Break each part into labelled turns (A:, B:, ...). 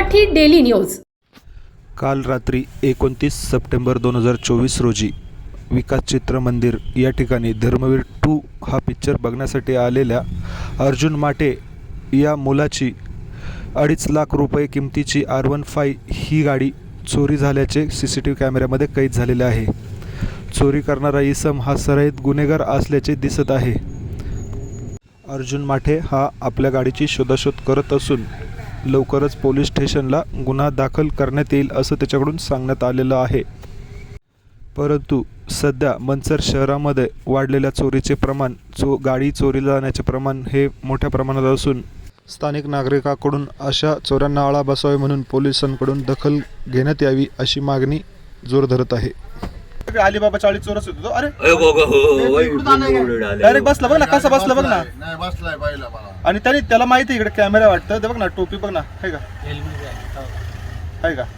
A: Marathi daily news.
B: काल रात्री 29 September 2024 रोजी विकास चित्र मंदिर या ठिकाणी धर्मवीर 2 हा पिक्चर बघण्यासाठी आलेल्या अर्जुन माटे या मुलाची 2.5 लाख रुपये किमतीची R15 ही गाडी चोरी झाल्याचे CCTV कॅमेऱ्यामध्ये कैद झालेले आहे। चोरी करणारा इसम हा सराईत गुन्हेगार असल्याचे दिसत आहे। अर्जुन माटे हा आपल्या गाडीची शोधाशोध करत असून लवकरच पोलीस स्टेशनला गुन्हा दाखल करण्यात येईल असं त्याच्याकडून सांगण्यात आलेलं आहे। परंतु सध्या मंचर शहरामध्ये वाढलेल्या चोरीचे प्रमाण गाडी चोरीला जाण्याचे प्रमाण हे मोठ्या प्रमाणात असून स्थानिक नागरिकांकडून अशा चोऱ्यांना आळा बसावे म्हणून पोलिसांकडून दखल घेण्यात यावी अशी मागणी जोर धरत आहे।
C: अलिबाबा 40 चोरस होतो। अरे
D: डायरेक्ट
C: डायरेक्ट बसला बघ ना, कसा बसला बघ ना।
D: नाही बसलाय पाहिला मला
C: आणि त्याला माहिती इकडे कॅमेरा वाटतं ते बघ ना, टोपी बघ ना, आहे का आहे का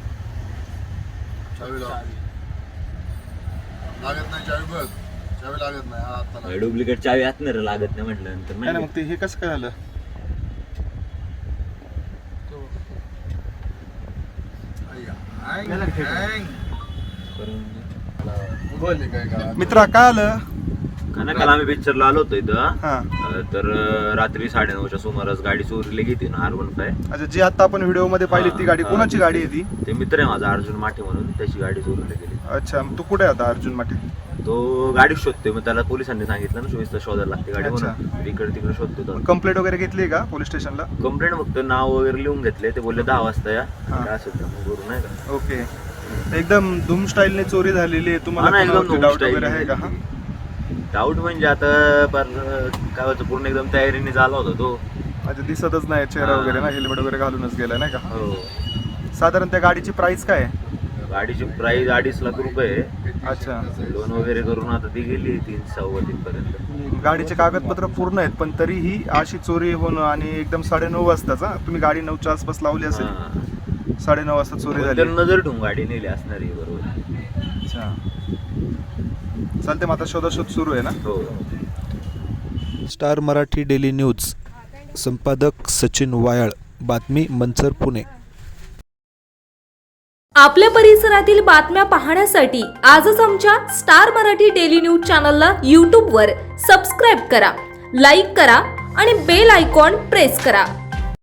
D: चावी लागत नाही, चावी बघ, चावी लागत नाही आता
E: डुप्लिकेट चावी आतणार लागत नाही म्हटलं नंतर
C: नाही ना, मग ते हे कसं काय झालं? मित्रा काय आलं?
E: काल आम्ही पिक्चरला आलो होतो इथं
C: हा
E: तर रात्री 9:30च्या सुमारास गाडी चोरीला गेली ना R15।
C: अच्छा, जी आता आपण व्हिडिओ मध्ये पाहिली ती गाडी कोणाची गाडी आहे ती?
E: ते मित्र आहे माझा अर्जुन माटे म्हणून, त्याची गाडी चोरीला गेली।
C: अच्छा, मग तू कुठे आता अर्जुन माटे?
E: तो गाडी शोधतोय, मग त्याला पोलिसांनी सांगितलं ना 24 तास शोधायला लागते गाडी म्हणून इकडे तिकडे शोधतो।
C: कंप्लेंट वगैरे घेतली का पोलीस स्टेशनला?
E: कंप्लेंट फक्त नाव वगैरे लिहून घेतले, ते बोलले 10 वाजता या काय असेल तर मग करू, नाही का?
C: ओके, एकदम धूम स्टाईलने चोरी झालेली आहे। तुम्हाला
E: एकदम
C: डाऊट वगैरे आहे का?
E: डाऊट म्हणजे आता काय होतं, पूर्ण एकदम तयारीने झाला होता तो।
C: अच्छा, दिसतच नाही चेहरा वगैरे ना, हेल्मेट वगैरे घालूनच गेलाय नाही का?
E: हो।
C: साधारण त्या गाडीची प्राइस काय आहे?
E: गाडीची प्राइस 2.5 लाख रुपये।
C: अच्छा,
E: लोन वगैरे करून आता ती गेली 3-3.25 पर्यंत।
C: गाडीचे कागदपत्र पूर्ण आहेत, पण तरीही अशी चोरी होणं आणि एकदम 9:30 वाजताचा, तुम्ही गाडी 9च्या आसपास लावली असेल, 9:30 वाजता चोरी झाली।
E: नजर ठेवून गाडी नेली असणार आहे, बरोबर।
C: अच्छा, चालते, मग आता शोधाशोध सुरू आहे ना?
E: हो।
B: स्टार मराठी डेली न्यूज, संपादक सचिन वायाळ, बातमी मंचर, पुणे।
A: आपल्या परिसरातील बातम्या पाहण्यासाठी आजच आमच्या स्टार मराठी डेली न्यूज चॅनलला YouTube वर सबस्क्राईब करा, लाईक करा आणि बेल आयकॉन प्रेस करा।